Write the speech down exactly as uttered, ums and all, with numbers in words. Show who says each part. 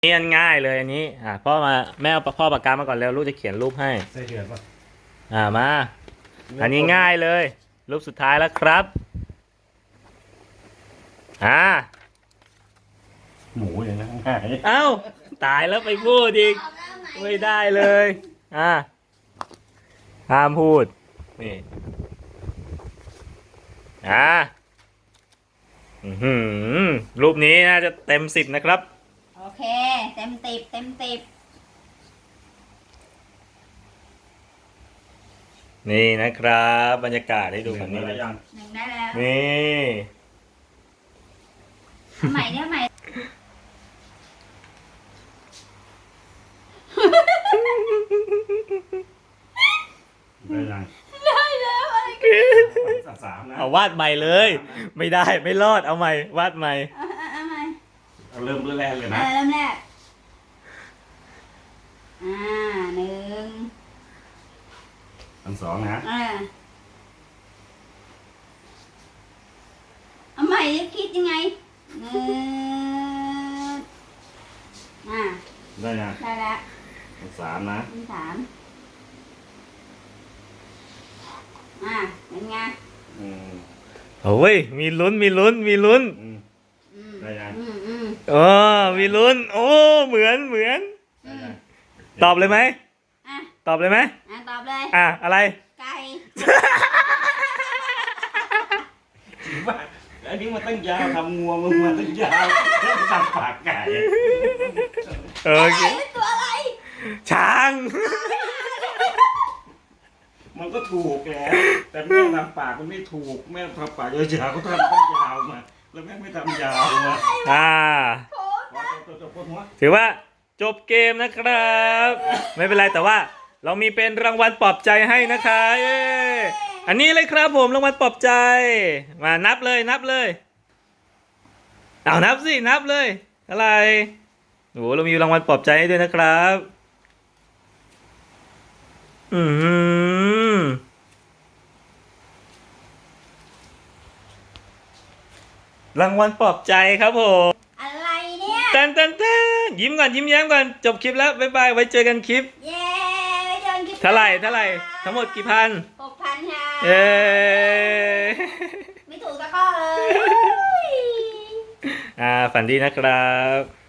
Speaker 1: นี่อันง่ายเลยอันนี้อ่าพ่อมาแม่เอาพ่อปากกามาก่อนแล้วลูกจะเขียนรูปให้
Speaker 2: ใส่เดือดป่ะ
Speaker 1: อ่ามาอันนี้ง่ายเลยรูปสุดท้ายแล้วครับอ่า
Speaker 2: หมูอย่างนั้นง่าย
Speaker 1: เอ้าตายแล้วไปพูดอีกไม่ได้เลยอ่าห้ามพูดนี่อ่าอือหือรูปนี้น่าจะเต็มสิบนะครับ
Speaker 3: โอเคเต็มติบเต็มติบ
Speaker 1: นี่นะครับบรรยากาศให้ดูแบบนี้
Speaker 2: ได้ยัง
Speaker 3: หนึ่งได้แล้ว
Speaker 1: นี่
Speaker 3: เอาใหม่เนี่ยใหม่
Speaker 2: ได้ยัง
Speaker 3: ได้แล้วอะไรกัน
Speaker 2: สามนะ
Speaker 1: เอาวาดใหม่เลยไม่ได้ไม่รอดเอาใหม่วาดใหม่
Speaker 3: เอาเอาเอาใหม่
Speaker 2: เอาเริ่มเริ่มแรกเลย
Speaker 3: เอ
Speaker 2: นะ
Speaker 3: อเริ่มแรกอ่าหนึ่ง
Speaker 2: อันสองนะ
Speaker 3: อ่าเอาใหม่จะคิดยังไงหนึ่งอ่า
Speaker 2: ได้ยัง
Speaker 3: ได้แล้ว
Speaker 2: อันสามนะ
Speaker 3: อันสามอ่าเป็นไง
Speaker 2: อืม
Speaker 1: โอ้ยมีลุ้นมีลุ้นมีลุ้น
Speaker 2: อืม
Speaker 3: อืม
Speaker 2: ได้ยัง
Speaker 3: อืมอืม
Speaker 1: โอ้มีลุ้นโอ้เหมือนเหมือน
Speaker 3: อืม
Speaker 1: ตอบเลยไหม
Speaker 3: อ่ะ
Speaker 1: ตอบเลยไหม
Speaker 3: อ่ะตอบเลย
Speaker 1: อ่ะอะไร
Speaker 3: ไก่
Speaker 2: จริงป่ะอันนี้มันตั้งยาวทำงัวมึงมาตั้งยาวแล้วทำปากไก่
Speaker 1: โอเค
Speaker 3: ไก่เป็นตัวอะไร
Speaker 1: ช้าง
Speaker 2: มันก็ถูกแล้วแต่แม่ทำปากมันไม่ถูกแม่ทำปากยาวๆก็ทำตั้งยาวมาแล้วแม่ไม่ทำยาวมา
Speaker 1: อ่า
Speaker 3: โอ้
Speaker 2: ตัวตัวตัวหัว
Speaker 1: ถือว่าจบเกมนะครับ ไม่เป็นไรแต่ว่าเรามีเป็นรางวัลปลอบใจให้นะคะเย้อันนี้เลยครับผมรางวัลปลอบใจมานับเลยนับเลยเอานับสินับเลยอะไรโอ้เรามีรางวัลปลอบใจให้ด้วยนะครับอืมรางวัลปลอบใจครับผม
Speaker 3: อะไรเนี่ย
Speaker 1: เต้นเต้นเต้นยิ้มก่อนยิ้มแย้มก่อนจบคลิปแล้วบ๊ายบายไว้เจอกันคลิป
Speaker 3: เย้ไปเดินคลิป
Speaker 1: เท่าไหร่เท่าไหร่ทั้งหมดกี่พัน
Speaker 3: หกพันค่ะ
Speaker 1: เย้
Speaker 3: ไม่ถูกสักข้อเลย
Speaker 1: อ่าฝันดีนะครับ